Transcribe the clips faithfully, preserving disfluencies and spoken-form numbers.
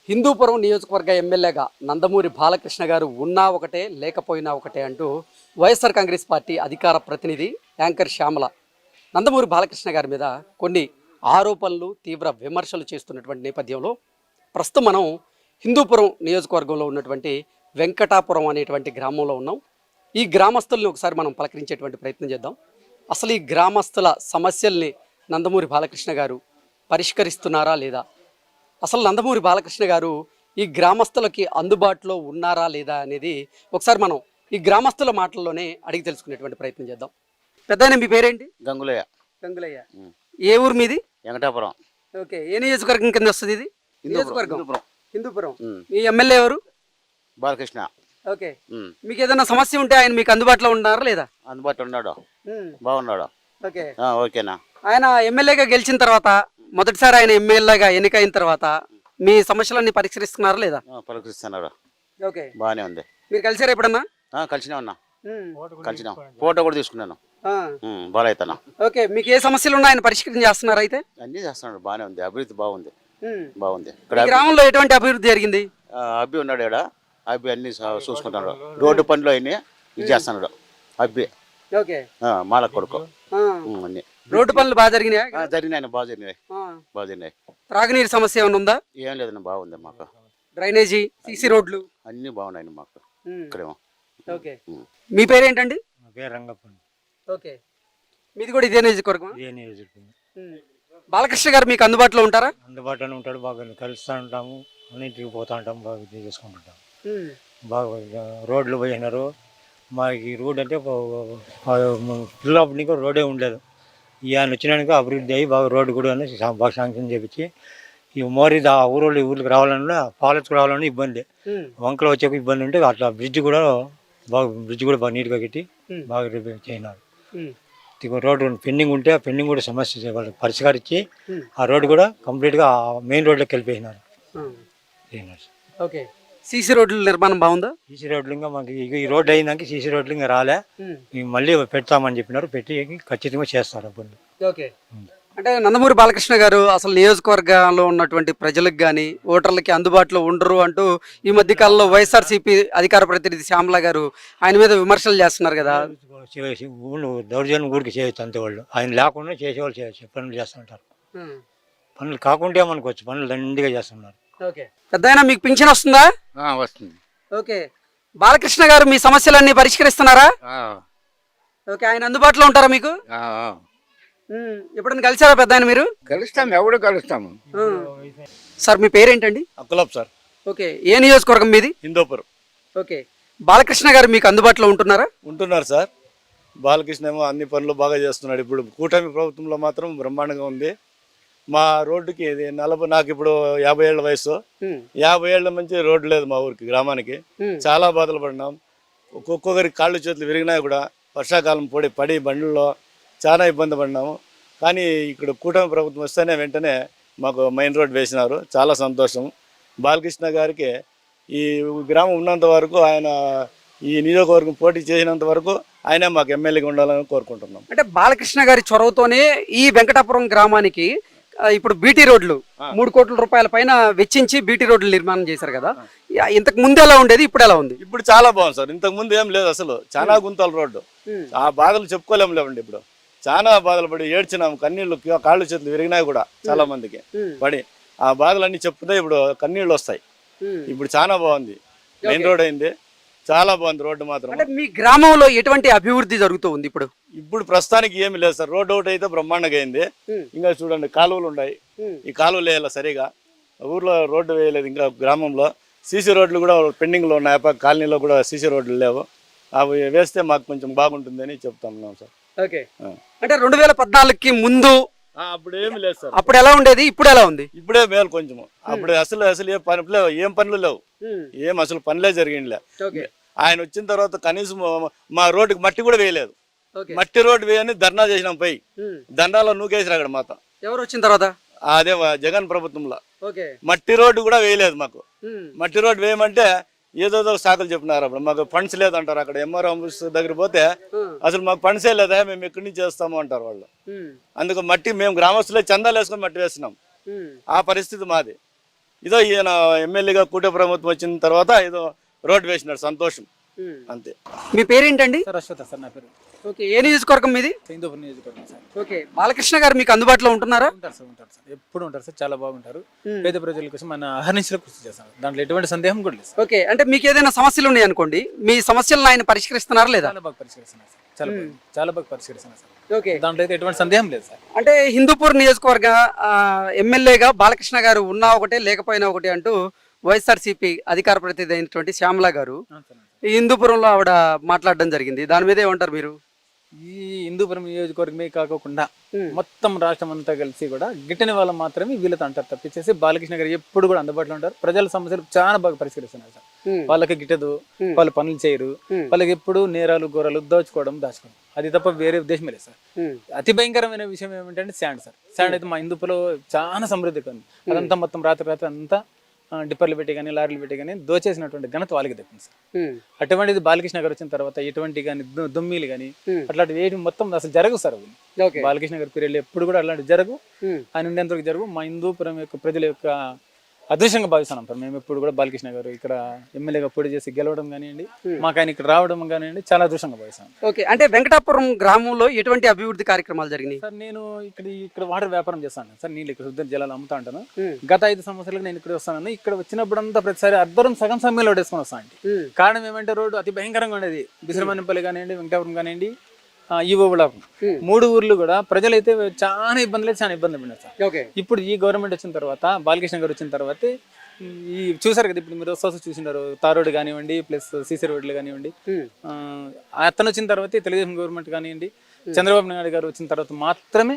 హిందూపురం నియోజకవర్గ ఎమ్మెల్యేగా నందమూరి బాలకృష్ణ గారు ఉన్నా ఒకటే లేకపోయినా ఒకటే అంటూ వైఎస్ఆర్ కాంగ్రెస్ పార్టీ అధికార ప్రతినిధి యాంకర్ శ్యామల నందమూరి బాలకృష్ణ గారి మీద కొన్ని ఆరోపణలు తీవ్ర విమర్శలు చేస్తున్నటువంటి నేపథ్యంలో ప్రస్తుతం మనం హిందూపురం నియోజకవర్గంలో ఉన్నటువంటి వెంకటాపురం అనేటువంటి గ్రామంలో ఉన్నాం. ఈ గ్రామస్తుల్ని ఒకసారి మనం పలకరించేటువంటి ప్రయత్నం చేద్దాం. అసలు ఈ గ్రామస్తుల సమస్యల్ని నందమూరి బాలకృష్ణ గారు పరిష్కరిస్తున్నారా లేదా, అసలు నందమూరి బాలకృష్ణ గారు ఈ గ్రామస్తులకి అందుబాటులో ఉన్నారా లేదా అనేది ఒకసారి మనం ఈ గ్రామస్తుల మాటల్లోనే అడిగి తెలుసుకునేటువంటి ప్రయత్నం చేద్దాం. పెద్దాయన మీ పేరేంటి? గంగులయ్య. గంగులయ్య. ఏ ఊరు మీది? వెంకటాపురం. ఓకే, ఏ నియోజకవర్గం కింద వస్తుంది ఇది? నియోజకవర్గం హిందూపురం. మీ ఎమ్మెల్యే ఎవరు? బాలకృష్ణ. ఓకే, మీకు ఏదైనా సమస్య ఉంటే ఆయన మీకు అందుబాటులో ఉన్నారా లేదా? అందుబాటులో ఉన్నాడు, బాగున్నాడు. ఓకే ఓకేనా. ఆయన ఎమ్మెల్యేగా గెలిచిన తర్వాత, మొదటిసారి ఆయన ఎమ్మెల్యేగా ఎన్నికైన తర్వాత మీ సమస్యలన్నీ పరిష్కరిస్తున్నారా లేదా? పరిష్కరిస్తున్నారు. ఓకే, బాగానే ఉంది. మీరు కలిసారా ఎప్పుడన్నా? కలిసినా ఉన్నా, కలిసినా, ఫోటో కూడా తీసుకున్నాను. బాగా అవుతానా. ఓకే, మీకు ఏ సమస్యలు ఉన్నా ఆయన పరిష్కరణ చేస్తున్నారు? అయితే అన్ని చేస్తున్నాడు, బాగానే ఉంది. అభివృద్ధి బాగుంది, బాగుంది. ఇక్కడ గ్రామంలో ఎటువంటి అభివృద్ధి జరిగింది? అబ్బి ఉన్నాడు ఇక్కడ, అబ్బి అన్ని చూసుకుంటున్నాడు. రోడ్డు పనులు అయినా ఇది చేస్తున్నాడు అబ్బి. ఓకే, మాల కొడుకు. అన్ని రోడ్డు పనులు బాగా జరిగినాయి. జరిగినాయి, బాగా జరిగినాయి, బాగా జరిగినాయి. త్రాగునీరు సమస్య ఏమైనా ఉందా? ఏం లేదన్న, బాగుంది మాకు. డ్రైనేజీ, సీసీ రోడ్లు అన్ని బాగున్నాయి మాకు ఇక్కడేమో. ఓకే, మీ పేరేంటండి? రంగప్పండి. ఓకే, మీది కూడా ఇదే నియోజకవర్గం? ఇదే నియోజకవర్గం. బాలకృష్ణ గారు మీకు అందుబాటులో ఉంటారా? అందుబాటులోనే ఉంటాడు, బాగా కలుస్తూ ఉంటాము, అన్నింటికి పోతూ ఉంటాము, బాగా ఇది చేసుకుంటుంటాము. బాగా రోడ్లు పోయినారు మాకు. ఈ రోడ్ అంటే పిల్లప్పటి నుంచి రోడ్డే ఉండలేదు. ఈయన వచ్చినాక అభివృద్ధి అయ్యి బాగా రోడ్డు కూడా బాగా శాంక్షన్ చేపించి ఈ మోరీ ఆ ఊరోళ్ళు ఊరికి రావాలన్నా, పాలెత్తుకు రావాలన్నా ఇబ్బంది, వంకలు వచ్చే ఇబ్బంది ఉంటే అట్లా బ్రిడ్జ్ కూడా బాగా బ్రిడ్జ్ కూడా బాగా నీట్గా కట్టి బాగా రిపేర్ చేయన్నారు. రోడ్డు పెండింగ్ ఉంటే ఆ పెండింగ్ కూడా సమస్య వాళ్ళు పరిష్కరించి ఆ రోడ్డు కూడా కంప్లీట్గా మెయిన్ రోడ్లోకి వెళ్ళిపోయినారు. ఓకే, సీసీ రోడ్ల నిర్మాణం బాగుందా? సీసీ రోడ్లు ఇంకా మాకు ఈ రోడ్డు అయినాక సీసీ రోడ్లు ఇంకా రాలే, మళ్ళీ పెడతామని చెప్పినారు, పెట్టి ఖచ్చితంగా చేస్తారు అప్పుడు. ఓకే, అంటే నందమూరి బాలకృష్ణ గారు అసలు నియోజకవర్గంలో ఉన్నటువంటి ప్రజలకు కానీ ఓటర్లకి అందుబాటులో ఉండరు అంటూ ఈ మధ్య కాలంలో వైఎస్ఆర్సీపీ అధికార ప్రతినిధి శ్యామల గారు ఆయన మీద విమర్శలు చేస్తున్నారు కదా. ఊళ్ళు దౌర్జన్యం ఊరికి చేయొచ్చు అంతే, వాళ్ళు ఆయన లేకుండా చేసేవాళ్ళు చేయొచ్చు, పనులు చేస్తుంటారు. పనులు కాకుండా మనకొచ్చు, పనులు దండిగా చేస్తున్నారు. ఓకే, పెద్దయినా మీకు పింఛన్ వస్తుందా? వస్తుంది. ఓకే, బాలకృష్ణ గారు మీ సమస్యలన్నీ పరిష్కరిస్తున్నారా? ఓకే, ఆయన అందుబాటులో ఉంటారా మీకు? ఎప్పుడైనా కలిసారా పెద్ద ఆయన మీరు? కలుస్తాం, ఎవడు కలుస్తాము. సార్ మీ పేరేంటండి? అక్కలాబ్ సార్. ఓకే, ఏ నియోజకవర్గం మీది? హిందూపురం. ఓకే, బాలకృష్ణ గారు మీకు అందుబాటులో ఉంటున్నారా? ఉంటున్నారు సార్. బాలకృష్ణ ఏమో అన్ని పనులు బాగా చేస్తున్నాడు. ఇప్పుడు కూటమి ప్రభుత్వంలో మాత్రం బ్రహ్మాండంగా ఉంది. మా రోడ్డుకి ఇది నలభై, నాకు ఇప్పుడు యాభై ఏళ్ళ వయసు, యాభై ఏళ్ల నుంచి రోడ్డు లేదు మా ఊరికి, గ్రామానికి. చాలా బాధలు పడినాం. ఒక్కొక్కరికి కాళ్ళు చేతులు విరిగినా కూడా వర్షాకాలం పొడి పడి బండ్లలో చాలా ఇబ్బంది పడినాము. కానీ ఇక్కడ కూటమి ప్రభుత్వం వస్తేనే వెంటనే మాకు మెయిన్ రోడ్ వేసినారు, చాలా సంతోషం. బాలకృష్ణ గారికి ఈ గ్రామం ఉన్నంత వరకు, ఆయన ఈ నియోజకవర్గం పోటీ చేసినంత వరకు ఆయనే మాకు ఎమ్మెల్యేగా ఉండాలని కోరుకుంటున్నాం. అంటే బాలకృష్ణ గారి చొరవతోనే ఈ వెంకటాపురం గ్రామానికి ఇప్పుడు బీటీ రోడ్లు మూడు కోట్ల రూపాయల పైన వెచ్చించి బీటీ రోడ్లు నిర్మాణం చేశారు కదా. ఇంతకు ముందు ఎలా ఉండేది, ఇప్పుడు ఎలా ఉంది? ఇప్పుడు చాలా బాగుంది సార్. ఇంతకు ముందు ఏం లేదు అసలు, చాలా గుంతల రోడ్డు. ఆ బాధలు చెప్పుకోలేము లేవండి. ఇప్పుడు చాలా బాధలు పడి ఏడ్చినాము, కన్నీళ్ళు, కాళ్ళు చేతులు విరిగినాయి కూడా చాలా మందికి పడి. ఆ బాధలన్నీ చెప్తే ఇప్పుడు కన్నీళ్ళు వస్తాయి. ఇప్పుడు చాలా బాగుంది, మెయిన్ రోడ్ అయింది, చాలా బాగుంది రోడ్డు మాత్రం. అంటే మీ గ్రామంలో ఎటువంటి అభివృద్ధి జరుగుతూ ఉంది ఇప్పుడు? ఇప్పుడు ప్రస్తుతానికి ఏమి లేదు సార్. రోడ్డు ఒకటి అయితే బ్రహ్మాండంగా అయింది. ఇంకా చూడండి కాలువలు ఉన్నాయి, ఈ కాలువలు వేయాలి సరిగా. ఊర్లో రోడ్డు వేయలేదు ఇంకా. గ్రామంలో సీసీ రోడ్లు కూడా పెండింగ్ లో ఉన్నాయి, కాలనీలో కూడా సీసీ రోడ్లు లేవు. అవి వేస్తే మాకు కొంచెం బాగుంటుంది అని చెప్తాం సార్. ఓకే, అంటే రెండు వేల పద్నాలుగుకి ముందు అప్పుడు ఏమి లేదు సార్. అప్పుడు ఎలా ఉండేది, ఇప్పుడు ఎలా ఉంది? ఇప్పుడే మేలు కొంచెం. అప్పుడు అసలు అసలు ఏ పని లేవు, ఏం పనులు లేవు, ఏం అసలు పనులే జరిగిందిలే. ఆయన వచ్చిన తర్వాత కనీసం మా రోడ్డుకి మట్టి కూడా వేయలేదు. మట్టి రోడ్డు వేయని ధర్నా చేసినాం, పోయి దండాలో నూకేసిరా అక్కడ మాత. ఎవరు వచ్చిన తర్వాత? అదే జగన్ ప్రభుత్వంలో మట్టి రోడ్డు కూడా వేయలేదు మాకు. మట్టి రోడ్డు వేయమంటే ఏదోదో సాకులు చెప్పినారు. అప్పుడు మాకు ఫండ్స్ లేదంటారు. అక్కడ ఎంఆర్ ఆఫీస్ దగ్గర పోతే అసలు మాకు ఫండ్సే లేదా, మేము ఎక్కడి నుంచి చేస్తాము అంటారు వాళ్ళు. అందుకు మట్టి మేము గ్రామస్తులే చందాలు వేసుకొని మట్టి వేస్తున్నాం. ఆ పరిస్థితి మాది. ఇదో ఈయన ఎమ్మెల్యేగా కూటమి ప్రభుత్వం వచ్చిన తర్వాత ఏదో రోడ్డు వేసినాడు, సంతోషం అంతే. మీ పేరేంటండి? సార్ అశ్వత సార్ నా పేరు. ఓకే, ఏ నియోజకవర్గం మీది? హిందూపురం నియోజకవర్గం సార్. ఓకే, బాలకృష్ణ గారు మీకు అందుబాటులో ఉంటున్నారా? ఉంటారు సార్, ఉంటారు సార్, ఎప్పుడు ఉంటారు సార్, చాలా బాగుంటారు. పేద ప్రజల కోసం మన అహర్నిశలో కృషి చేస్తారు, దాంట్లో ఎటువంటి సందేహం కూడా లేదు సార్. ఓకే, అంటే మీకు ఏదైనా సమస్యలు ఉన్నాయి అనుకోండి, మీ సమస్యలను ఆయన పరిష్కరిస్తున్నారా లేదా? చాలా బాగా పరిష్కరిస్తున్నారు సార్, చాలా బాగా చాలా బాగా పరిష్కరిస్తున్నారు సార్. ఓకే, దాంట్లో అయితే ఎటువంటి సందేహం లేదు సార్. అంటే హిందూపూర్ నియోజకవర్గ ఆ, ఎమ్మెల్యేగా బాలకృష్ణ గారు ఉన్నా ఒకటే లేకపోయినా ఒకటి అంటూ వైఎస్ఆర్సీపీ అధికార ప్రతినిధి అయినటువంటి శ్యామల గారు అవును సార్. ఈ హిందూపురంలో ఆవిడ మాట్లాడడం జరిగింది. దాని మీద ఏమంటారు మీరు? ఈ హిందూపురం నియోజకవర్గమే కాకుండా మొత్తం రాష్ట్రం అంతా కలిసి కూడా గిట్టని వాళ్ళు మాత్రమే వీళ్ళతో అంటారు తప్పించేసి బాలకృష్ణ గారు ఎప్పుడు కూడా అందుబాటులో ఉంటారు. ప్రజల సమస్యలు చాలా బాగా పరిష్కరిస్తున్నారు సార్. వాళ్ళకి గిట్టదు, వాళ్ళు పనులు చేయరు, వాళ్ళకి ఎప్పుడు నేరాలు ఘోరాలు దోచుకోవడం దాచుకోవడం, అది తప్ప వేరే ఉద్దేశమే లేదు సార్. అతి భయంకరమైన విషయం ఏమిటంటే శాండ్ సార్. శాండ్ అయితే మా హిందూపులో చాలా సమృద్ధిగా ఉంది. అదంతా మొత్తం రాత్రి రాత్రి అంతా డిప్పర్లు పెట్టి కానీ లారీలు పెట్టి కానీ దోచేసినటువంటి ఘనత వాళ్ళకి దక్కింది సార్. అటువంటిది బాలకృష్ణ గారు వచ్చిన తర్వాత ఎటువంటి కానీ దుమ్మిలు కానీ అట్లాంటివి ఏమి మొత్తం అసలు జరగవు సార్. అవి బాలకృష్ణ గారి పీరియడ్ ఎప్పుడు కూడా అలాంటివి జరగవు, ఆయన ఉండేంతవరకు జరగవు. మా హిందూపురం యొక్క ప్రజల యొక్క అదృష్టంగా భావిస్తున్నాం సార్. మేము ఎప్పుడు కూడా బాలకృష్ణ గారు ఇక్కడ ఎమ్మెల్యేగా పోటీ చేసి గెలవడం కానివ్వండి, మాకు ఆయన ఇక్కడ రావడం కానివ్వండి, చాలా అదృష్టంగా భావిస్తాం. ఓకే, అంటే వెంకటాపురం గ్రామంలో ఎటువంటి అభివృద్ధి కార్యక్రమాలు జరిగినాయి సార్? నేను ఇక్కడ ఇక్కడ వాటర్ వ్యాపారం చేస్తాను సార్, నీళ్ళు ఇక్కడ శుద్ధ జలాలు అమ్ముతా ఉంటాను. గత ఐదు సంవత్సరాలకు నేను ఇక్కడ వస్తాను. ఇక్కడ వచ్చినప్పుడు అంతా ప్రతిసారి అర్ధరం సగం సమయంలో వేసుకొని వస్తాను. కారణం ఏమంటే రోడ్డు అతి భయంకరంగా ఉండేది. బిసరమన్నపల్లి కానివ్వండి, వెంకటాపురం కానివ్వండి, ఈవో మూడు ఊర్లు కూడా ప్రజలైతే చాలా ఇబ్బందులు అయితే చాలా ఇబ్బంది పడినారు సార్. ఇప్పుడు ఈ గవర్నమెంట్ వచ్చిన తర్వాత, బాలకృష్ణ గారు వచ్చిన తర్వాత ఈ చూసారు కదా, ఇప్పుడు మీరు వస్తూ చూసినారు తార్ రోడ్డు కానివ్వండి, ప్లస్ సీసీ రోడ్లు కానివ్వండి. అతను వచ్చిన తర్వాత తెలుగుదేశం గవర్నమెంట్ కానివ్వండి, చంద్రబాబు నాయుడు గారు వచ్చిన తర్వాత మాత్రమే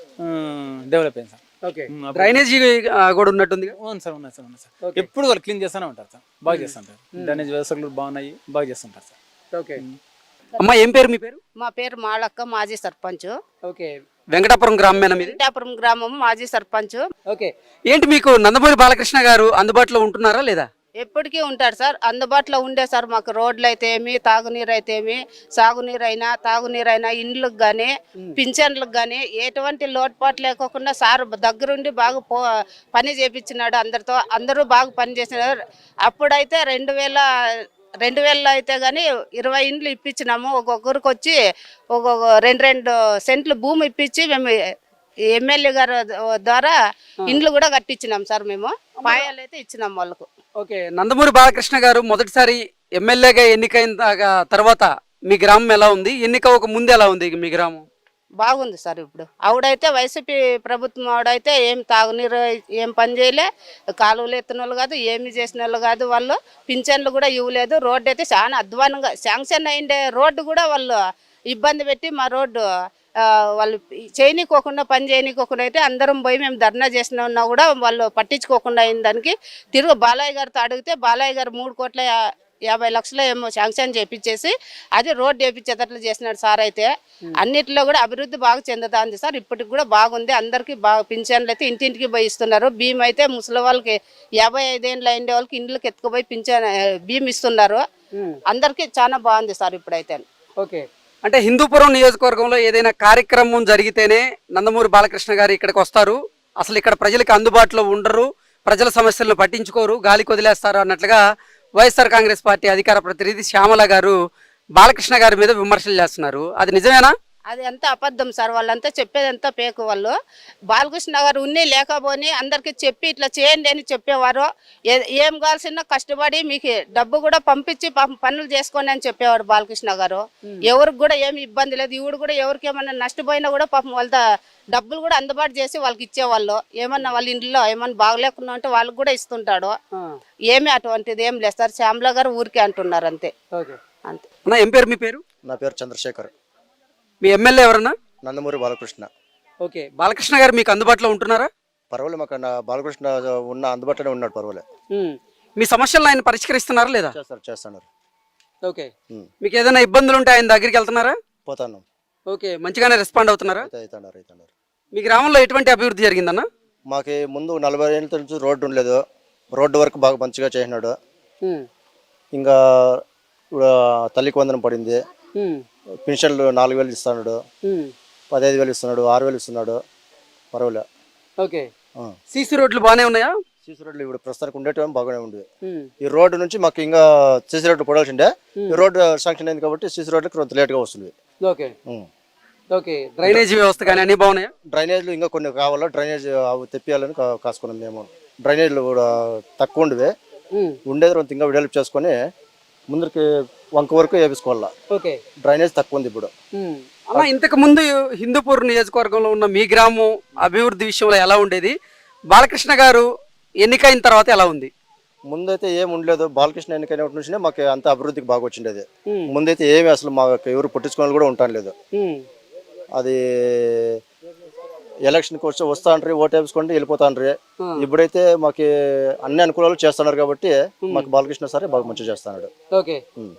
డెవలప్ అయింది సార్. డ్రైనేజీ కూడా ఉన్నట్టుంది. అవును సార్, ఉన్నాయి సార్, ఉన్నాయి సార్. ఎప్పుడు వాళ్ళు క్లీన్ చేస్తూనే ఉంటారు సార్, బాగా చేస్తుంటారు. డ్రైనేజ్ వ్యవస్థలు బాగున్నాయి, బాగా చేస్తుంటారు సార్. ఓకే అమ్మా, ఏం పేరు మీ పేరు? మా పేరు మాళక్క, మాజీ సర్పంచ్. ఓకే, వెంకటాపురం గ్రామమేనా మీది? వెంకటాపురం గ్రామం, మాజీ సర్పంచ్. ఓకే, ఏంటి మీకు నందమూరి బాలకృష్ణ గారు అందుబాటులో ఉంటున్నారా లేదా? ఎప్పటికీ ఉంటారు సార్, అందుబాటులో ఉండే సార్. మాకు రోడ్లు అయితే ఏమి, తాగునీరు అయితే ఏమి, సాగునీరు అయినా తాగునీరు అయినా, ఇండ్లకు కానీ పింఛన్లకు కానీ ఎటువంటి లోటుపాటు లేకోకుండా సార్ దగ్గరుండి బాగా పో పని చేపించినాడు అందరితో. అందరూ బాగా పని చేసినారు. అప్పుడైతే రెండు వేల రెండు వేలలో అయితే కానీ ఇరవై ఇండ్లు ఇప్పించినాము. ఒక్కొక్కరికి వచ్చి ఒక్కొక్క రెండు రెండు సెంట్లు భూమి ఇప్పించి మేము ఎమ్మెల్యే గారు ద్వారా ఇండ్లు కూడా కట్టించినాం సార్. మేము పాయాలు అయితే ఇచ్చినాం వాళ్ళకు. ఓకే, నందమూరి బాలకృష్ణ గారు మొదటిసారి ఎమ్మెల్యేగా ఎన్నికైన తర్వాత మీ గ్రామం ఎలా ఉంది? ఎన్నిక ఒక ముందు ఎలా ఉంది మీ గ్రామం? బాగుంది సార్. ఇప్పుడు ఆవిడైతే వైసీపీ ప్రభుత్వం ఆవిడైతే ఏం తాగునీరు ఏం పని చేయలే, కాలువలు ఎత్తిన వాళ్ళు కాదు, ఏమి చేసిన వాళ్ళు కాదు. వాళ్ళు పింఛన్లు కూడా ఇవ్వలేదు. రోడ్డు అయితే చాలా అధ్వానంగా శాంక్షన్ అయిండే రోడ్డు కూడా వాళ్ళు ఇబ్బంది పెట్టి మా రోడ్డు వాళ్ళు చేయనీకోకుండా పని చేయనీకోకుండా అయితే అందరం పోయి మేము ధర్నా చేసిన ఉన్నా కూడా వాళ్ళు పట్టించుకోకుండా అయిన దానికి తిరుగు బాలయ్య గారితో అడిగితే బాలయ్య గారు మూడు కోట్ల యాభై లక్షలు ఏమో శాంక్షన్ చేపించేసి అది రోడ్డు వేపించేటట్లు చేసినాడు సార్. అయితే అన్నిటిలో కూడా అభివృద్ధి బాగా చెందుతుంది సార్. ఇప్పటికి కూడా బాగుంది. అందరికీ బాగా పింఛన్లు అయితే ఇంటింటికి పోయి ఇస్తున్నారు. భీమ్ అయితే ముసలి వాళ్ళకి యాభై ఐదేళ్ళు అయిన వాళ్ళకి ఇండ్లకి ఎత్తుకుపోయి పింఛన్ భీమ్ ఇస్తున్నారు. అందరికీ చాలా బాగుంది సార్ ఇప్పుడైతే. ఓకే, అంటే హిందూపురం నియోజకవర్గంలో ఏదైనా కార్యక్రమం జరిగితేనే నందమూరి బాలకృష్ణ గారు ఇక్కడికి వస్తారు, అసలు ఇక్కడ ప్రజలకు అందుబాటులో ఉండరు, ప్రజల సమస్యలను పట్టించుకోరు, గాలికి వదిలేస్తారు అన్నట్లుగా వైఎస్ఆర్ కాంగ్రెస్ పార్టీ అధికార ప్రతినిధి శ్యామల గారు బాలకృష్ణ గారి మీద విమర్శలు చేస్తున్నారు. అది నిజమేనా? అది అంతా అబద్ధం సార్. వాళ్ళంతా చెప్పేదంతా పేకు. వాళ్ళు బాలకృష్ణ గారు ఉన్ని లేకపోని అందరికి చెప్పి ఇట్లా చేయండి అని చెప్పేవారు. ఏం కావాల్సిన కష్టపడి మీకు డబ్బు కూడా పంపించి పనులు చేసుకోండి అని చెప్పేవారు బాలకృష్ణ గారు. ఎవరికి కూడా ఏమి ఇబ్బంది లేదు. ఇవుడు కూడా ఎవరికి ఏమన్నా నష్టపోయినా కూడా పాపం వాళ్ళ డబ్బులు కూడా అందుబాటు చేసి వాళ్ళకి ఇచ్చేవాళ్ళు. ఏమన్నా వాళ్ళ ఇంట్లో ఏమన్నా బాగలేకుండా ఉంటే వాళ్ళకి కూడా ఇస్తుంటాడు. ఏమి అటువంటిది ఏం లేదు సార్. శ్యామల గారు ఊరికే అంటున్నారు అంతే. అంతే. ఏం పేరు మీ పేరు? నా పేరు చంద్రశేఖర్. మీ ఎమ్మెల్యే ఎవరన్నా? నందమూరి బాలకృష్ణ. ఓకే, బాలకృష్ణ గారు మీకు అందుబాటులో ఉంటున్నారా? పర్వాలేదు, మాకు బాలకృష్ణ ఉన్న అందుబాటులోనే ఉన్నాడు. పర్వాలేదు. మీ సమస్యలను ఆయన పరిష్కరిస్తున్నారా లేదా? చేస్తారు చేస్తున్నారు. ఓకే, మీకు ఏదైనా ఇబ్బందులు ఉంటే ఆయన దగ్గరికి వెళ్తున్నారా? పోతాను. ఓకే, మంచిగానే రెస్పాండ్ అవుతున్నారా? అవుతున్నారు అవుతున్నారు. మీ గ్రామంలో ఎటువంటి అభివృద్ధి జరిగిందన్న? మాకు ముందు నలభై ఏళ్ళ నుంచి రోడ్డు ఉండలేదు. రోడ్డు వరకు బాగా మంచిగా చేసినాడు. ఇంకా ఇప్పుడు తల్లికి వందనం పడింది. పెన్షన్లు నాలుగు వేలు ఇస్తున్నాడు, పదహైదు వేలు ఇస్తున్నాడు, ఆరు వేలు ఇస్తున్నాడు. పర్వాలే. ఓకే, సీసీ రోడ్లు బాగానే ఉన్నాయా? సీసీ రోడ్లు ఇప్పుడు ప్రస్తుతానికి ఉండేటివి బాగానే ఉండేవి. ఉమ్, ఈ రోడ్డు నుంచి మాకు ఇంకా సీసీ రోడ్డు పడాల్సిందే. ఈ రోడ్డు శాంక్షన్ అయింది కాబట్టి సీసీ రోడ్లు కొంత లేట్గా వస్తుంది. ఓకే ఓకే డ్రైనేజీ వ్యవస్థ కానీ అన్ని బాగున్నాయా? డ్రైనేజ్లు ఇంకా కొన్ని కావాలా, డ్రైనేజ్ అవి తెప్పియాలని కా- కాసుకున్నాం మేము. డ్రైనేజ్లు కూడా తక్కువ ఉండేవి, ఉమ్, ఉండేది కొంత ఇంకా డెవలప్ చేసుకొని ముందరికి వంక వరకు వేపించుకోవాలా. ఓకే డ్రైనేజ్ తక్కువ ఉంది ఇప్పుడు. ఉమ్. అన్న ఇంతకు ముందు హిందూపూర్ నియోజకవర్గంలో ఉన్న మీ గ్రామం అభివృద్ధి విషయంలో ఎలా ఉండేది? బాలకృష్ణ గారు ఎన్నికైన తర్వాత ఎలా ఉంది? ముందైతే ఏం ఉండలేదు. బాలకృష్ణ ఎన్నికైన నుంచి మాకు అంత అభివృద్ధికి బాగా వచ్చిండేది. ఉమ్, ముందైతే ఏమి అసలు మాకు ఎవరు పట్టించుకోవాలి కూడా ఉంటాను లేదు. ఉమ్, అది ఎలక్షన్కి వచ్చి వస్తాండ్రి, ఓటు వేసుకోండి వెళ్ళిపోతాండ్రి. ఇప్పుడైతే మాకు అన్ని అనుకూలాలు చేస్తున్నారు కాబట్టి మాకు బాలకృష్ణ సరే బాగా మంచిగా చేస్తున్నాడు. ఓకే ఉమ్.